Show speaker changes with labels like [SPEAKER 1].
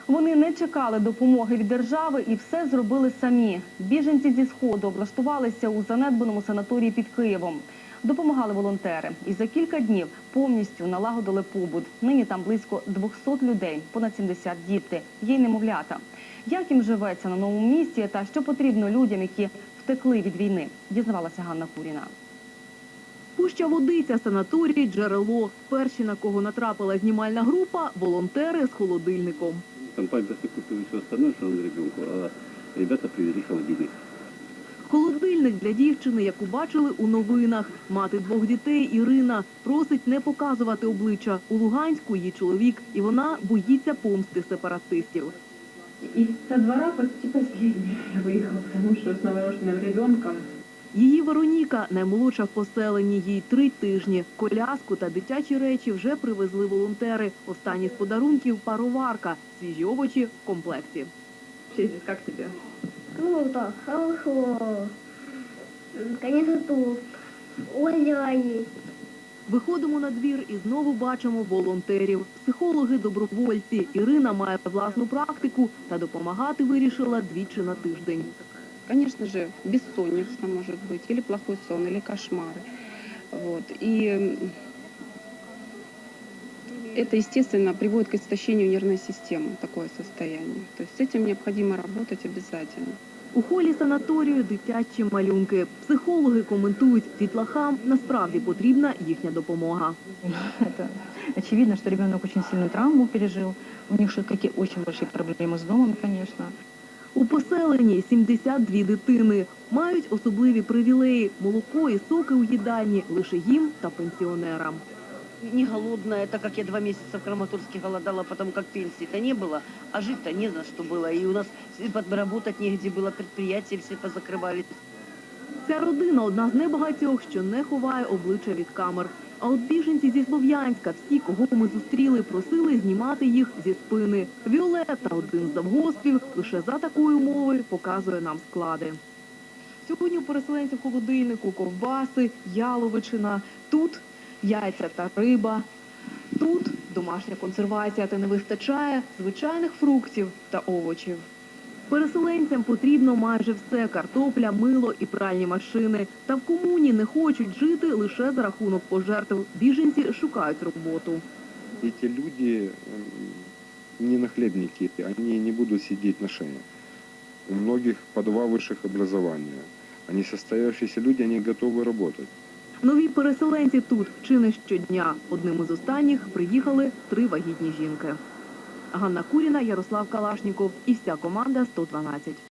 [SPEAKER 1] Вони не чекали допомоги від держави і все зробили самі. Біженці зі Сходу облаштувалися у занедбаному санаторії під Києвом. Допомагали волонтери. І за кілька днів повністю налагодили побут. Нині там близько 200 людей, понад 70 діти, є й немовлята. Як їм живеться на новому місці та що потрібно людям, які втекли від війни, дізнавалася Ганна Куріна.
[SPEAKER 2] Пуща Водиця, санаторій, джерело. Перші, на кого натрапила знімальна група – волонтери з холодильником.
[SPEAKER 3] Там памперсы купил все остальное, что он ребенку, а ребята привезли холодильник.
[SPEAKER 2] Холодильник для дівчини, яку бачили у новинах. Мати двох дітей Ірина просить не показувати обличчя. У Луганську її чоловік, і вона боїться помсти сепаратистів.
[SPEAKER 4] Из со двора почти последний я выехала, потому что с новорожденным ребенком.
[SPEAKER 2] Її Вероніка, наймолодша в поселенні, їй 3 тижні. Коляску та дитячі речі вже привезли волонтери. Останні з подарунків – пароварка, свіжі овочі в комплекті.
[SPEAKER 4] Вообще здесь как тебе?
[SPEAKER 5] Ну так, хорошо. Конечно, тут озеро есть.
[SPEAKER 2] Виходимо на двір і знову бачимо волонтерів. Психологи-добровольці. Ірина має власну практику та допомагати вирішила 2 на тиждень.
[SPEAKER 6] Конечно же, бессонница может быть, или плохой сон, или кошмары. Вот. И это, естественно, приводит к истощению нервной системы, такое состояние. То есть с этим необходимо работать обязательно.
[SPEAKER 2] У холі санаторію дитячі малюнки. Психологи коментують, дітлахам насправді потрібна їхня допомога.
[SPEAKER 7] Это очевидно, что ребенок очень сильную травму пережил. У них очень большие проблемы с домом, конечно.
[SPEAKER 2] У поселенні 72 дитини. Мають особливі привілеї – молоко і соки у їдальні лише їм та пенсіонерам.
[SPEAKER 8] Не голодная, так как я 2 месяца в Краматорске голодала, потому как пенсии-то не было, а жить-то не за что было. И у нас подработать негде было, предприятия все позакрывались.
[SPEAKER 2] Ця родина – одна з небагатьох, що не ховає обличчя від камер. А от біженці зі Слов'янська, всі, кого ми зустріли, просили знімати їх зі спини. Віолетта, один з завгоспів, лише за такої умови показує нам склади. Сьогодні у переселенців в холодильнику ковбаси, яловичина. Тут яйця та риба. Тут домашня консервація, та не вистачає звичайних фруктів та овочів. Переселенцям потрібно майже все – картопля, мило і пральні машини. Та в комуні не хочуть жити лише за рахунок пожертв. Біженці шукають роботу.
[SPEAKER 9] Эти люди не нахлебники, они не будут сидеть на шее. У многих по 2 высших образования. Они состоявшиеся люди, они готовы работать.
[SPEAKER 2] Нові переселенці тут чи не щодня. Одним із останніх приїхали 3 вагітні жінки. Ганна Куріна, Ярослав Калашніков і вся команда 112.